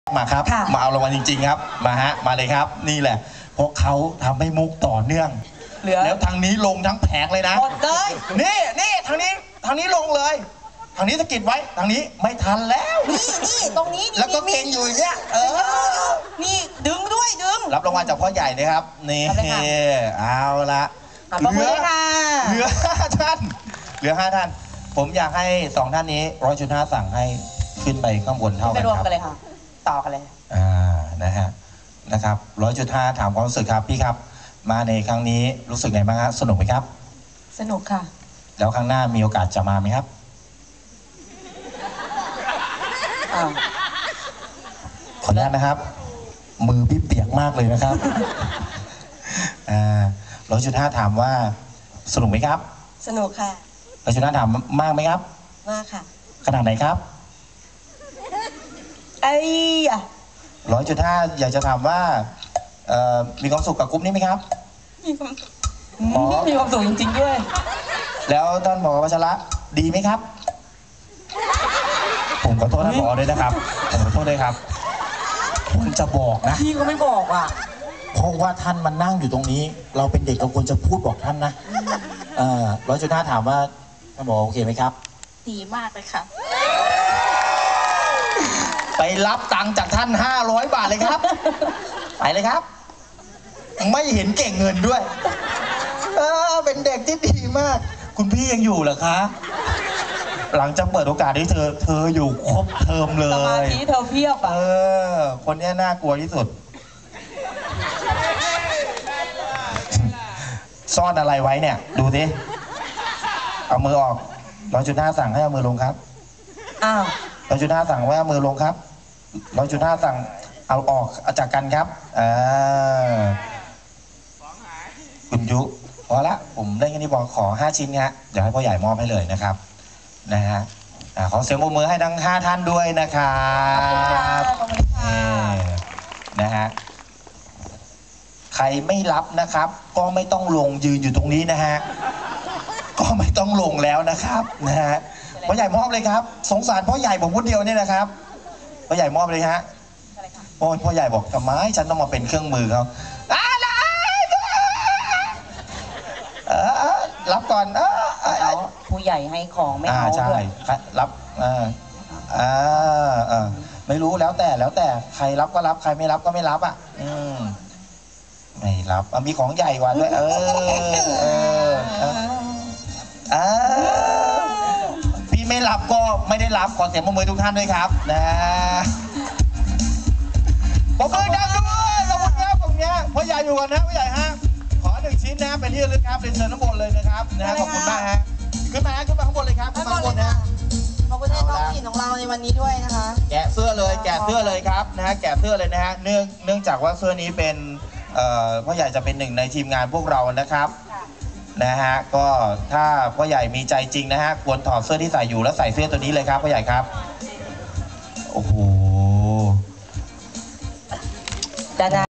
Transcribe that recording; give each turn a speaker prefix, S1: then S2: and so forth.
S1: มาครับมาเอารางวัลจริงๆครับมาเลยครับนี่แหละเพราะเขาทำให้มุกต่อเนื่องแล้วทางนี้ลงทั้งแผงเลยนะหมดเลยนี่ทางนี้ลงเลยทางนี้สะกิดไว้ทางนี้ไม่ทันแล้ว
S2: นี่ตรงนี้
S1: แล้วก็เก่งอยู่อย่างเงี้ย
S2: นี่ดึงด้วย
S1: รับรางวัลจากพ่อใหญ่นะครับนี่เอาละเหลือ5 ท่านผมอยากให้2 ท่านนี้100.5สั่งให้ขึ้นไปข้างบนเท่ากันครับไปรวมกันเลยค่ะ
S2: ต่อกันเลย
S1: นะครับ100.5ถามความรู้สึกครับพี่ครับมาในครั้งนี้รู้สึกไงบ้างฮะสนุกไหมครับ
S2: สนุกค่ะ
S1: แล้วครั้งหน้ามีโอกาสจะมาไหมครับขออนุญาตนะครับมือพี่เปียกมากเลยนะครับ100.5ถามว่าสนุกไหมครับ
S2: สนุกค่ะ
S1: 100.5ถามมากไหมครับ
S2: มากค่ะ
S1: ขนาดไหนครับ100.5อยากจะถามว่ามีความสุขกับกลุ่มนี้ไหมครับ
S2: มีความสุขจริงๆด้วย
S1: แล้วท่านผอ.วัชระดีไหมครับผมขอโทษท่านผอ.ด้วยนะครับผมขอโทษด้วยครับคุณจะบอกนะ
S2: พี่ก็ไม่บอกอ่ะ
S1: เพราะว่าท่านมันนั่งอยู่ตรงนี้เราเป็นเด็กเราควรจะพูดบอกท่านนะ100.5ถามว่าท่านผอ.โอเคไหมครับ
S2: ดีมากเลยค่ะ
S1: ไปรับตังค์จากท่าน500 บาทเลยครับไปเลยครับไม่เห็นเก่งเงินด้วยเป็นเด็กที่ดีมากคุณพี่ยังอยู่เหรอคะหลังจากเปิดโอกาสให้เธออยู่ครบเทอมเลยสมา
S2: ธิเธอเพียบ
S1: คนนี้น่ากลัวที่สุดซ่อนอะไรไว้เนี่ยดูสิเอามือออก100.5สั่งให้เอามือลงครับ100.5สั่งว่าเอามือลงครับ100.5สั่งเอาออกจากกันครับคุณยุพอละผมได้แค่นี้บอกขอ5 ชิ้นฮะเดี๋ยวให้พ่อใหญ่มอบให้เลยนะครับนะฮะขอเสียงปรบมือให้ทั้ง5 ท่านด้วยนะครับนะฮะใครไม่รับนะครับก็ไม่ต้องลงยืนอยู่ตรงนี้นะฮะก็ไม่ต้องลงแล้วนะครับนะฮะพ่อใหญ่มอบเลยครับสงสารพ่อใหญ่ผมคนเดียวนี่นะครับพ่อใหญ่มอบเลยฮะพ่อใหญ่บอกทำไมฉันต้องมาเป็นเครื่องมือเขารับก่อน
S2: ผู้ใหญ่ให้ของไม่เอา
S1: ใช่รับไม่รู้แล้วแต่ใครรับก็รับใครไม่รับก็ไม่รับไม่รับมีของใหญ่กว่าด้วยพี่ไม่รับก็ไม่ได้รับขอเสียงปรบมือทุกท่านด้วยครับนะปรบมือดังด้วยขอบคุณครับผมเนี่ยพ่อใหญ่อยู่ก่อนนะพ่อใหญ่ฮะขอ1 ชิ้นนะเป็นที่ระลึกครับเรียนเชิญข้างบนเลยนะครับนะขอบคุณมากฮะขึ้นมาข้างบนเลยครับขึ้นมาข้างบนนะ
S2: ขอบคุณน้องหญิงของเราในวันนี้ด้วยนะคะ
S1: แกะเสื้อเลยครับนะฮะแกะเสื้อเลยนะฮะเนื่องจากว่าเสื้อนี้เป็นพ่อใหญ่จะเป็น1ในทีมงานพวกเรานะครับนะฮะก็ถ้าพ่อใหญ่มีใจจริงนะฮะควรถอดเสื้อที่ใส่อยู่แล้วใส่เสื้อตัวนี้เลยครับพ่อใหญ่ครับโอ้โห